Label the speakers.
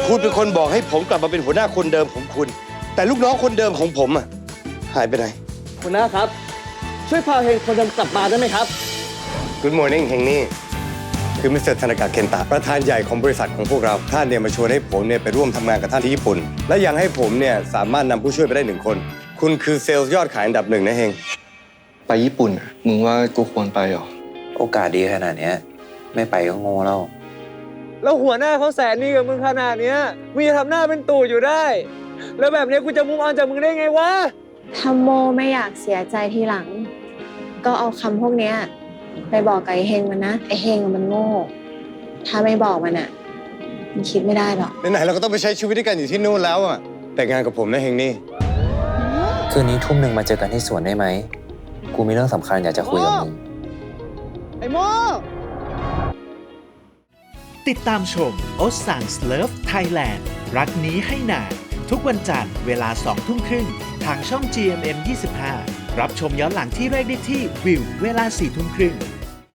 Speaker 1: คุณเป็นคนบอกให้ผมกลับมาเป็นหัวหน้าคนเดิมของคุณ แต่ลูกน้องคนเดิมของผมอะหายไปไหน
Speaker 2: หัวหน้าครับ ช่วยพาเฮงคนเดิมกลับมาได้ไหมครับ
Speaker 1: Good morning เฮงนี่คือมิสเตอร์ธนากะเคนตะประธานใหญ่ของบริษัทของพวกเราท่านเนี่ยมาชวนให้ผมเนี่ยไปร่วมทำงานกับท่านที่ญี่ปุ่น และยังให้ผมเนี่ยสามารถนำผู้ช่วยไปได้1 คน คุณคือเซลล์ยอดขายอันดับ1นะเฮง
Speaker 3: ไปญี่ปุ่นอะมึงว่ากูควรไปเหรอ
Speaker 4: โอกาสดีขนาดเนี้ยไม่ไปก็โง่แล้ว
Speaker 2: แล้วหัวหน้าเขาแสนดีกับมึงขนาดเนี้ยมึงจะทำหน้าเป็นตู่อยู่ได้ แล้วแบบนี้กูจะมุ่งออนจากมึงได้ไงวะ
Speaker 5: ถ้าโมไม่อยากเสียใจทีหลัง ก็เอาคำพวกเนี้ยไปบอกกับไอ้เฮงมันนะไอ้เฮงมันโง่ ถ้าไม่บอกมันอ่ะมันคิดไม่ได้หรอก
Speaker 1: ไหนๆเราก็ต้องไปใช้ชีวิตด้วยกันอยู่ที่นู่นแล้วอะแต่งงานกับผมนะเฮงนี่
Speaker 4: คืนนี้ทุ่มหนึ่งมาเจอกันที่สวนได้ไหม กูมีเรื่องสำคัญอยากจะคุยกับมึง
Speaker 2: ไอ้โม
Speaker 6: ติดตามชม o s a n s Love Thailand รักนี้ให้นานทุกวันจันทร์เวลา 20:30 น.ทางช่อง GMM 25รับชมย้อนหลังที่แรกได้ที่วิวเวลา 4:30 น.